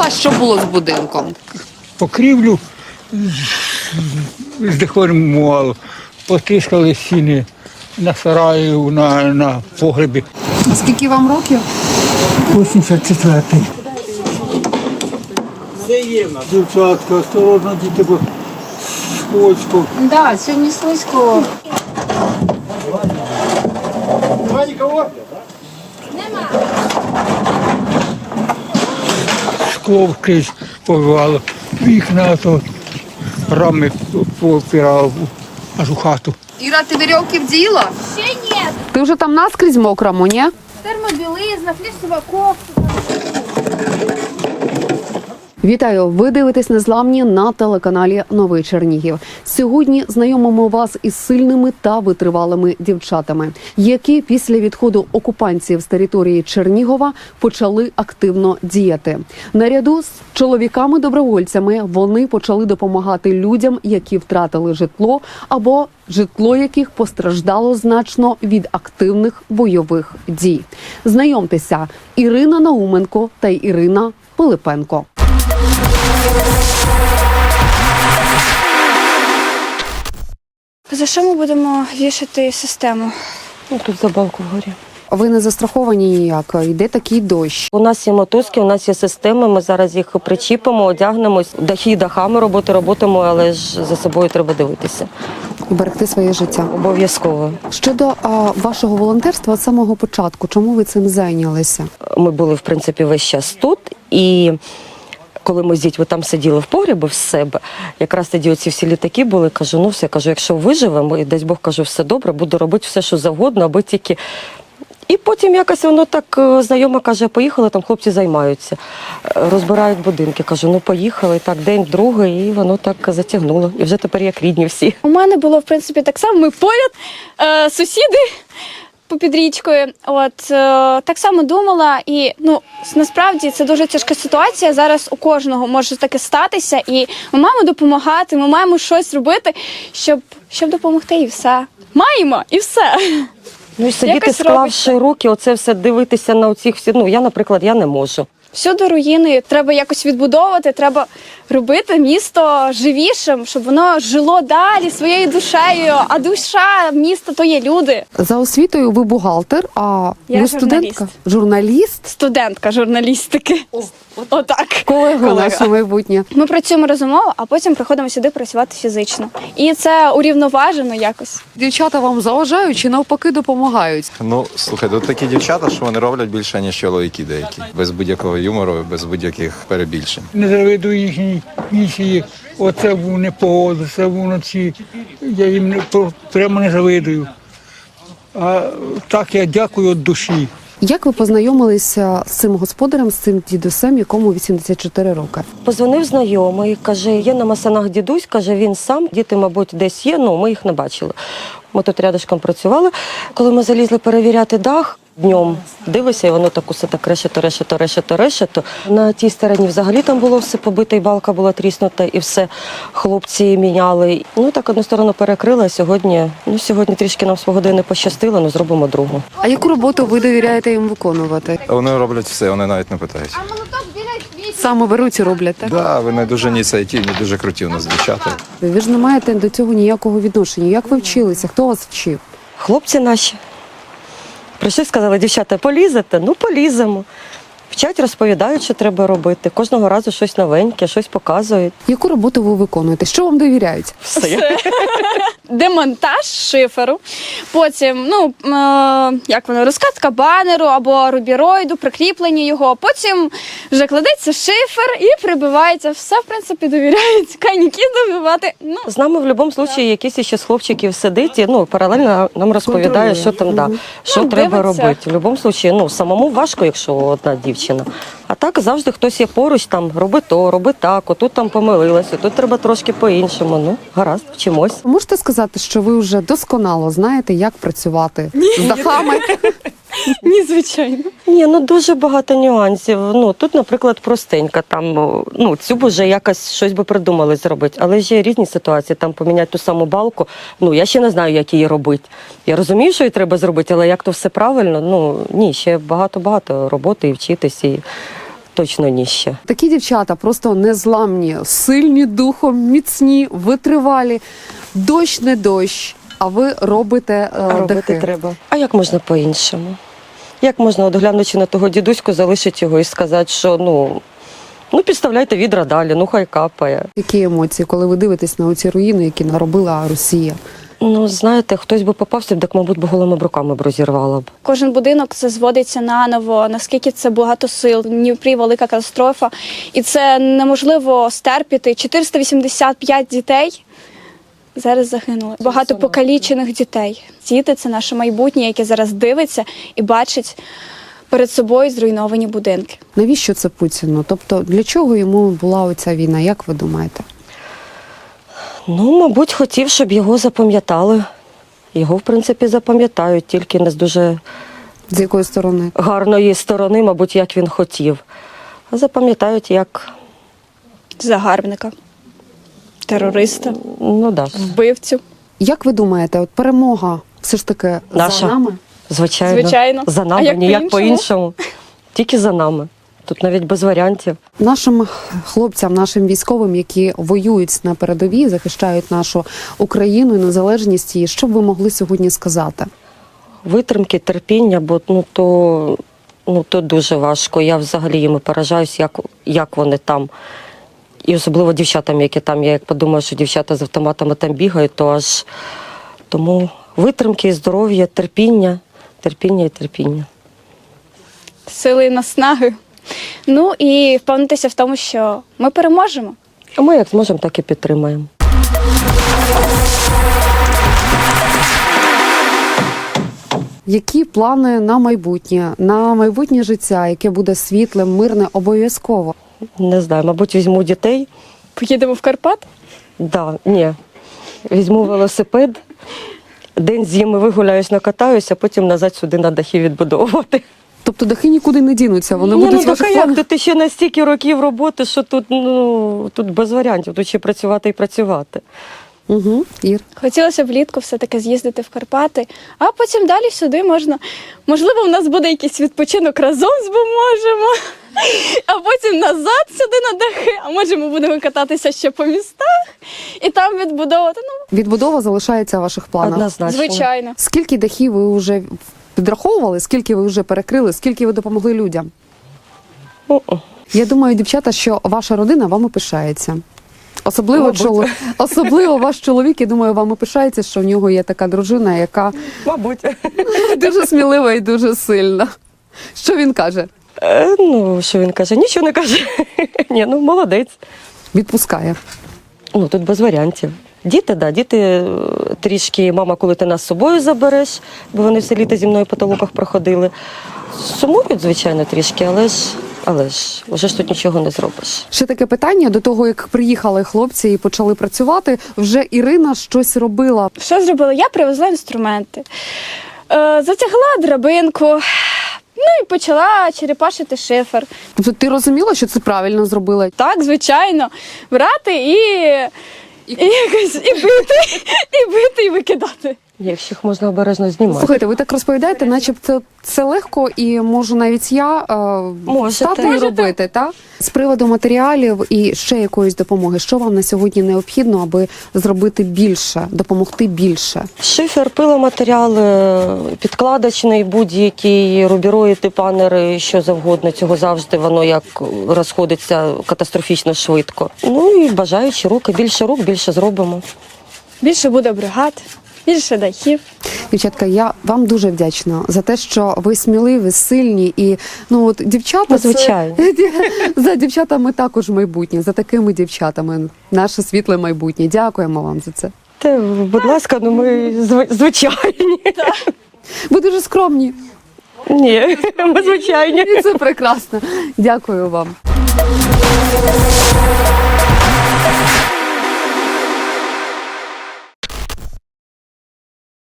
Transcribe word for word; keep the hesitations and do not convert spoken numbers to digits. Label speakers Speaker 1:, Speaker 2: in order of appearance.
Speaker 1: А що було з будинком?
Speaker 2: Покрівлю здеформувало, потріскали стіни на сараї, на, на погребі.
Speaker 1: А скільки вам років?
Speaker 2: вісімдесят четвертий. Дівчатка, осторожно, діти, бо скользко.
Speaker 3: Да, сьогодні слизько.
Speaker 2: Немає нікого? Скло вкрізь побивало, вікна, то рами попирало аж у хату.
Speaker 1: Іра, ти вірьовки вділа?
Speaker 3: Ще ні.
Speaker 1: Ти вже там наскрізь мокрому, ні?
Speaker 3: Термобілизна, флісова кофта.
Speaker 1: Вітаю! Ви дивитесь «Незламні» на телеканалі «Новий Чернігів». Сьогодні знайомимо вас із сильними та витривалими дівчатами, які після відходу окупантів з території Чернігова почали активно діяти. Наряду з чоловіками-добровольцями вони почали допомагати людям, які втратили житло або житло яких постраждало значно від активних бойових дій. Знайомтеся, Ірина Науменко та Ірина Пилипенко.
Speaker 3: За що ми будемо вішати систему?
Speaker 4: Ну, тут за балку вгорі.
Speaker 1: Ви не застраховані ніяк, йде такий дощ.
Speaker 4: У нас є мотузки, у нас є системи, ми зараз їх причіпимо, одягнемось, дахи дахами роботи робитимо, але ж за собою треба дивитися.
Speaker 1: І берегти своє життя.
Speaker 4: Обов'язково.
Speaker 1: Щодо а, вашого волонтерства з самого початку, чому ви цим зайнялися?
Speaker 4: Ми були, в принципі, весь час тут, і коли ми з дітьми там сиділи в погребі в себе, якраз тоді оці всі літаки були, кажу, ну все, кажу, якщо виживемо, і десь Бог, кажу, все добре, буду робити все, що завгодно, аби тільки... І потім якось воно так знайома каже, поїхали, там хлопці займаються, розбирають будинки. Кажу, ну поїхали, так, день, другий, і воно так затягнуло. І вже тепер як рідні всі.
Speaker 3: У мене було, в принципі, так само. Ми поряд, е, сусіди попід річкою. От, е, так само думала. І, ну, насправді, це дуже тяжка ситуація. Зараз у кожного може таке статися. І ми маємо допомагати, ми маємо щось робити, щоб, щоб допомогти, і все. Маємо, і все.
Speaker 4: Ну і сидіти,
Speaker 3: Якось
Speaker 4: склавши
Speaker 3: робиться.
Speaker 4: руки, оце все дивитися на оцих всі. Ну, я, наприклад, я не можу.
Speaker 3: Всюди руїни, треба якось відбудовувати, треба робити місто живішим, щоб воно жило далі своєю душею. А душа міста то є люди.
Speaker 1: За освітою ви бухгалтер, а
Speaker 3: Я
Speaker 1: ви студентка? Журналіст?
Speaker 3: Студентка журналістики. Отак.
Speaker 1: Колега наше майбутнє.
Speaker 3: Ми працюємо розумово, а потім приходимо сюди працювати фізично. І це урівноважено якось.
Speaker 1: Дівчата вам заважають чи навпаки допомагають?
Speaker 5: Ну, слухай, тут такі дівчата, що вони роблять більше, ніж чоловіки деякі. Без будь-якого юмору, без будь-яких перебільшень.
Speaker 2: Не завидую їхній місії. Оце був непогода, це був вночі. Я їм не- про- прямо не завидую. А так я дякую від душі.
Speaker 1: Як ви познайомилися з цим господарем, з цим дідусем, якому вісімдесят чотири роки?
Speaker 4: Позвонив знайомий, каже, є на Масанах дідусь, каже, він сам, діти, мабуть, десь є, ну ми їх не бачили. Ми тут рядышком працювали. Коли ми залізли перевіряти дах, днем дивися, і воно так усе так решето, решето, решето, решето. На тій стороні взагалі там було все побите, і балка була тріснута, і все хлопці міняли. Ну так одну сторону перекрили, а сьогодні, ну сьогодні трішки нам свого не пощастило, ну зробимо другу.
Speaker 1: А яку роботу ви довіряєте їм виконувати?
Speaker 5: Вони роблять все, вони навіть не питають.
Speaker 1: Саме беруть і роблять, так?
Speaker 5: Да, вони дуже ініціативні, дуже круті у нас дівчата.
Speaker 1: Ви ж не маєте до цього ніякого відношення. Як ви вчилися? Хто вас вчив?
Speaker 4: Хлопці наші прийшли, сказали, дівчата, полізете? Ну, поліземо. Вчать, розповідають, що треба робити. Кожного разу щось новеньке, щось показують.
Speaker 1: Яку роботу ви виконуєте? Що вам довіряють?
Speaker 4: Все.
Speaker 3: Демонтаж шиферу, потім, ну, е, як воно, розкатка банеру або рубіроїду, прикріплення його, потім вже кладеться шифер і прибивається. Все, в принципі, довіряють. Кайніків добивати, ну,
Speaker 4: З нами в будь-якому випадку якийсь ще з хлопчиків сидить і ну, паралельно нам розповідає, що там, да, що
Speaker 3: Ну,
Speaker 4: треба
Speaker 3: дивиться.
Speaker 4: робити. В будь-якому випадку, ну, самому важко, якщо одна дівчина. А так завжди хтось є поруч, там, роби то, роби так, отут там помилилася, тут треба трошки по-іншому. Ну, гаразд, вчимось.
Speaker 1: Можете сказати, що ви вже досконало знаєте, як працювати з дахами?
Speaker 3: ні, звичайно.
Speaker 4: Ні, ну дуже багато нюансів. Ну тут, наприклад, простенька. Там ну цю б вже якось щось би придумали зробити. Але ж є різні ситуації. Там поміняти ту саму балку. Ну я ще не знаю, як її робити. Я розумію, що її треба зробити, але як то все правильно? Ну ні, ще багато-багато роботи і вчитись. І точно ні ще.
Speaker 1: Такі дівчата просто незламні, сильні духом, міцні, витривалі. Дощ не дощ, а ви робите е,
Speaker 4: А робити
Speaker 1: дахи.
Speaker 4: треба. А як можна по-іншому? Як можна, от глянучи на того дідуську, залишити його і сказати, що ну, ну підставляйте відра далі, ну хай капає.
Speaker 1: Які емоції, коли ви дивитесь на оці руїни, які наробила Росія?
Speaker 4: Ну, знаєте, хтось би попався, так, мабуть, би голими руками б розірвала б.
Speaker 3: Кожен будинок це зводиться наново, наскільки це багато сил. В Дніпрі велика катастрофа, і це неможливо стерпіти. чотириста вісімдесят п'ять дітей зараз загинули. Багато покалічених дітей. Діти – це наше майбутнє, яке зараз дивиться і бачить перед собою зруйновані будинки.
Speaker 1: Навіщо це Путіну? Тобто для чого йому була оця війна, як ви думаєте?
Speaker 4: Ну, мабуть, хотів, щоб його запам'ятали. Його, в принципі, запам'ятають, тільки не з дуже
Speaker 1: З якої сторони?
Speaker 4: гарної сторони, мабуть, як він хотів. А запам'ятають як,
Speaker 3: Загарбника, терориста,
Speaker 4: ну да,
Speaker 3: вбивцю.
Speaker 1: Як ви думаєте, от перемога все ж таки
Speaker 4: Наша.
Speaker 1: за нами?
Speaker 4: звичайно,
Speaker 3: Звичайно.
Speaker 4: за
Speaker 3: А
Speaker 4: нами,
Speaker 3: як
Speaker 4: ніяк
Speaker 3: по-іншому?
Speaker 4: по-іншому. Тільки за нами. Тут навіть без варіантів.
Speaker 1: Нашим хлопцям, нашим військовим, які воюють на передовій, захищають нашу Україну і незалежність її, що б ви могли сьогодні сказати?
Speaker 4: Витримки, терпіння, бо ну то, ну, то дуже важко. Я взагалі їм поражаюсь, як, як вони там. І особливо дівчатам, які там. Я як подумаю, що дівчата з автоматами там бігають, то аж тому витримки, здоров'я, терпіння, терпіння і терпіння.
Speaker 3: Сили і наснаги. Ну і впевнитися в тому, що ми переможемо.
Speaker 4: А ми як зможемо, так і підтримаємо.
Speaker 1: Які плани на майбутнє, на майбутнє життя, яке буде світлим, мирне, обов'язково?
Speaker 4: Не знаю, мабуть, візьму дітей.
Speaker 3: Поїдемо в Карпат?
Speaker 4: Да, ні. Візьму велосипед, день з ними вигуляюсь, накатаюся, а потім назад сюди на дахи відбудовувати.
Speaker 1: Тобто дахи нікуди не дінуться, вони
Speaker 4: Ні,
Speaker 1: будуть
Speaker 4: ну,
Speaker 1: в ваших
Speaker 4: так, а як?
Speaker 1: планах?
Speaker 4: Тут ще настільки років роботи, що тут, ну, тут без варіантів, тут ще працювати і працювати.
Speaker 1: Угу. Ір.
Speaker 3: Хотілося б влітку все-таки з'їздити в Карпати, а потім далі сюди можна. Можливо, в нас буде якийсь відпочинок разом зможемо, а потім назад сюди на дахи, а може ми будемо кататися ще по містах і там відбудовувати. Ну,
Speaker 1: Відбудова залишається в ваших планах?
Speaker 4: Однозначно.
Speaker 3: звичайно.
Speaker 1: Скільки дахів ви вже підраховували, скільки ви вже перекрили, скільки ви допомогли людям?
Speaker 4: О-о.
Speaker 1: Я думаю, дівчата, що ваша родина вами пишається. Особливо,
Speaker 4: Мабуть.
Speaker 1: чоло... Особливо ваш чоловік, я думаю, вами пишається, що в нього є така дружина, яка
Speaker 4: Мабуть.
Speaker 1: дуже смілива і дуже сильна. Що він каже?
Speaker 4: Е, ну, що він каже? Нічого не каже. Ні, ну, молодець.
Speaker 1: Відпускає.
Speaker 4: Ну, тут без варіантів. Діти, да, діти е, трішки, мама, коли ти нас з собою забереш, бо вони все літо зі мною по толоках проходили. Сумують, звичайно, трішки, але ж, але ж, вже ж тут нічого не зробиш.
Speaker 1: Ще таке питання, до того, як приїхали хлопці і почали працювати, вже Ірина щось робила.
Speaker 3: Що зробила? Я привезла інструменти, е, затягла драбинку, ну і почала черепашити шифер.
Speaker 1: Тобто ти розуміла, що це правильно зробила?
Speaker 3: Так, звичайно, брати і, і, якось, і бити, і бити, і викидати.
Speaker 4: Якщо їх можна обережно знімати.
Speaker 1: Слухайте, ви так розповідаєте, начебто це легко, і можу навіть я е,
Speaker 4: Можете.
Speaker 1: стати і
Speaker 3: Можете.
Speaker 1: робити, так? З приводу матеріалів і ще якоїсь допомоги, що вам на сьогодні необхідно, аби зробити більше, допомогти більше?
Speaker 4: Шифер, пиломатеріали, підкладочний, будь-який, рубіроїди, панери, що завгодно. Цього завжди воно як розходиться катастрофічно швидко. Ну і бажаючі руки. Більше рук, більше зробимо.
Speaker 3: Більше буде бригад, більше дахів.
Speaker 1: Дівчатка, я вам дуже вдячна за те, що ви сміливі, сильні і ну от дівчата,
Speaker 4: Ну, звичайно.
Speaker 1: це, за дівчатами також майбутнє, за такими дівчатами наше світле майбутнє. Дякуємо вам за це.
Speaker 4: Та, будь ласка, ну ми зв- звичайні.
Speaker 1: Ви дуже скромні,
Speaker 4: Ні, ми звичайні.
Speaker 1: і це прекрасно. Дякую вам.